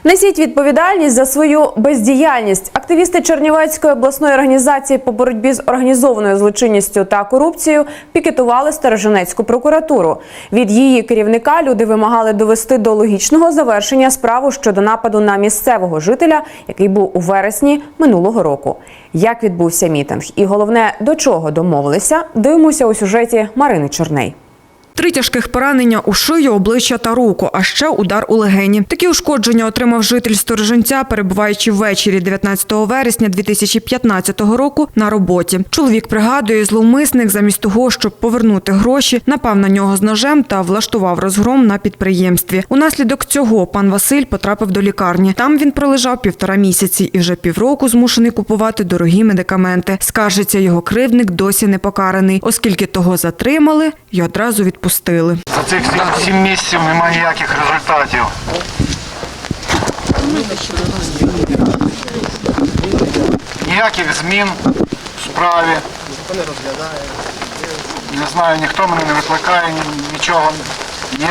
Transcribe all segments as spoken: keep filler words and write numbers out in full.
Несіть відповідальність за свою бездіяльність. Активісти Чернівецької обласної організації по боротьбі з організованою злочинністю та корупцією пікетували Сторожинецьку прокуратуру. Від її керівника люди вимагали довести до логічного завершення справу щодо нападу на місцевого жителя, який був у вересні минулого року. Як відбувся мітинг і, головне, до чого домовилися, дивимося у сюжеті Марини Чорней. Три тяжких поранення у шию, обличчя та руку, а ще удар у легені. Такі ушкодження отримав житель Сторожинця, перебуваючи ввечері дев'ятнадцятого вересня дві тисячі п'ятнадцятого року на роботі. Чоловік пригадує, зловмисник замість того, щоб повернути гроші, напав на нього з ножем та влаштував розгром на підприємстві. Унаслідок цього пан Василь потрапив до лікарні. Там він пролежав півтора місяці і вже півроку змушений купувати дорогі медикаменти. Скаржиться, його кривдник досі не покараний, оскільки того затримали і одразу відпустили. Пустили. За цих сім місяців немає ніяких результатів. Ніяких змін в справі. Не знаю, ніхто мене не викликає, нічого. Ні,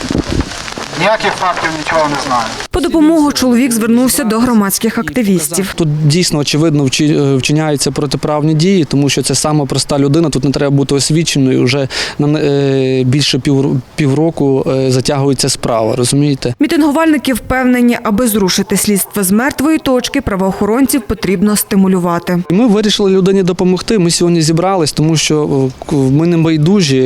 ніяких фактів, нічого не знаю. По допомогу чоловік звернувся до громадських активістів. Тут дійсно, очевидно, вчиняються протиправні дії, тому що це сама проста людина, тут не треба бути освіченою, вже на більше пів, півроку затягується справа, розумієте? Мітингувальники впевнені, аби зрушити слідство з мертвої точки, правоохоронців потрібно стимулювати. Ми вирішили людині допомогти, ми сьогодні зібрались, тому що ми не байдужі,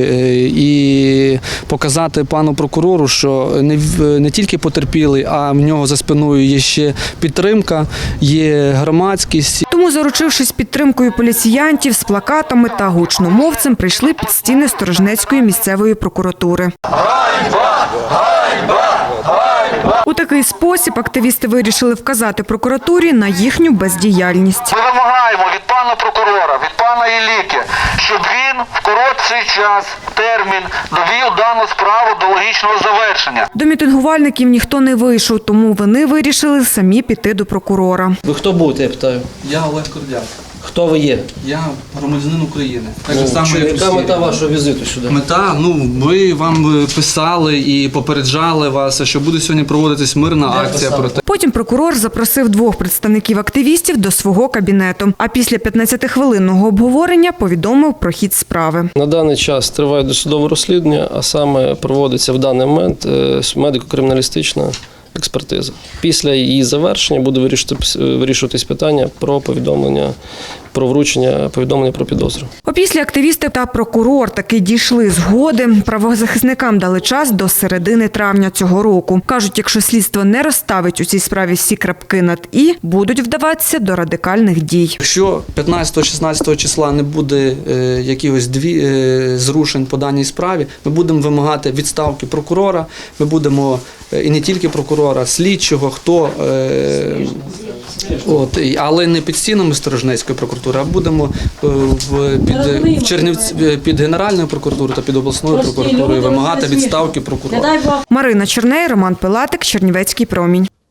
і показати пану прокурору, що не, не тільки потерпілий, а в нього за спиною є ще підтримка, є громадськість. Тому, заручившись підтримкою поліціянтів, з плакатами та гучномовцем, прийшли під стіни Сторожинецької місцевої прокуратури. Ганьба! Ганьба! Ганьба! У такий спосіб активісти вирішили вказати прокуратурі на їхню бездіяльність. Ми вимагаємо від пана прокурора, від пана Ілліки, щоб він в короткий час, термін, довів дану справу до логічного завершення. До мітингувальників ніхто не вийшов, тому вони вирішили самі піти до прокурора. Ви хто будете, я питаю? Я Олег Кордяк. Хто ви є? Я громадянин України. Так Ну, же само, що, як яка всі. мета вашого візиту сюди? Мета, ну, ми вам писали і попереджали вас, що буде сьогодні проводитись мирна Де акція писали? проти. Потім прокурор запросив двох представників активістів до свого кабінету, а після п'ятнадцятихвилинного обговорення повідомив про хід справи. На даний час триває досудове розслідування, а саме проводиться в даний момент е, медико-криміналістична експертиза. Після її завершення буде вирішуватись питання про повідомлення, про вручення повідомлення про підозру. Опісля активісти та прокурор таки дійшли згоди. Правозахисникам дали час до середини травня цього року. Кажуть, якщо слідство не розставить у цій справі всі крапки над «і», будуть вдаватися до радикальних дій. Якщо п'ятнадцятого-шістнадцятого числа не буде е, якихось дві, е, зрушень по даній справі, ми будемо вимагати відставки прокурора, ми будемо, е, і не тільки прокурора, слідчого, хто, е, от, і- але не під стінами Сторожинецької прокуратури, а будемо е, в, під, в Чернівці, під Генеральною прокуратурою та під обласною прокуратурою вимагати відставки прокурора. Марина Чорней, Роман Пилатик, Чернівецький промінь.